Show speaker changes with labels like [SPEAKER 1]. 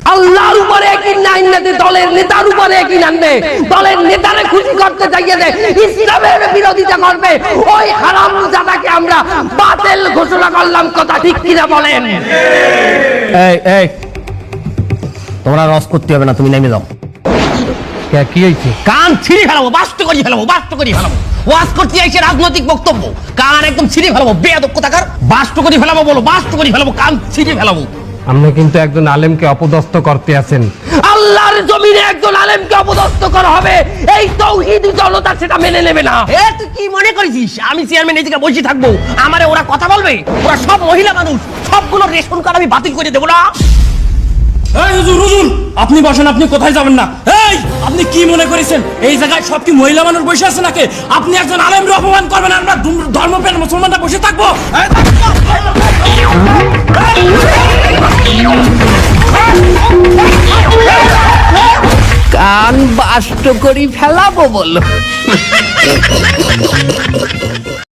[SPEAKER 1] আল্লাহর উপরে একই না আনতে দলের নেতার উপরে একই আনবে, দলের নেতারে খুশি করতে চাইয়ে দে ইসলামের বিরোধিতা করবে, ওই হারামজাদাকে আমরা বাতিল ঘোষণা করলাম। কথা ঠিক কিনা বলেন?
[SPEAKER 2] এই তোমরা রস করতে হবে না, তুমি নেমে যাও।
[SPEAKER 3] কি হয়েছে?
[SPEAKER 2] কান ছিঁড়ে ফেলাবো, বাস্ত করি ফেলাবো, বাস্ত করি ফেলাবো। ওয়াজ করতে আইছে রাজনৈতিক বক্তব্য, কান একদম ছিঁড়ে ফেলাবো। বেয়াদব কোথাকার, বাস্ত করি ফেলাবো বলো, বাস্ত করি ফেলাবো, কান ছিঁড়ে ফেলাবো।
[SPEAKER 3] আপনি কিন্তু একজন আলেমকে অপদস্থ করতে আছেন।
[SPEAKER 1] আল্লাহর জমিনে একজন আলেমকে অপদস্থ করা হবে, এই তাওহীদি জনতা সেটা মেনে নেবে না।
[SPEAKER 2] এ তুই কি মনে করেছিস আমি চেয়ারম্যান এদিকে বসে থাকবো, আমারে ওরা কথা বলবে? ওরা সব মহিলা মানুষ, সবগুলো রেশন কার্ড আমি বাতিল করে দেবো না।
[SPEAKER 4] এই হুজুর, হুজুর আপনি বসেন, আপনি কোথায় যাবেন না? এই আপনি কি মনে করেছেন এই জায়গায় সব কি মহিলা মানুষ বসে আছে নাকি? আপনি একজন আলেমকে অপমান করবেন, আমরা ধর্মপ্রাণ মুসলমানরা বসে থাকবো?
[SPEAKER 1] কান বাষ্ট করি ফেলাবো বলো।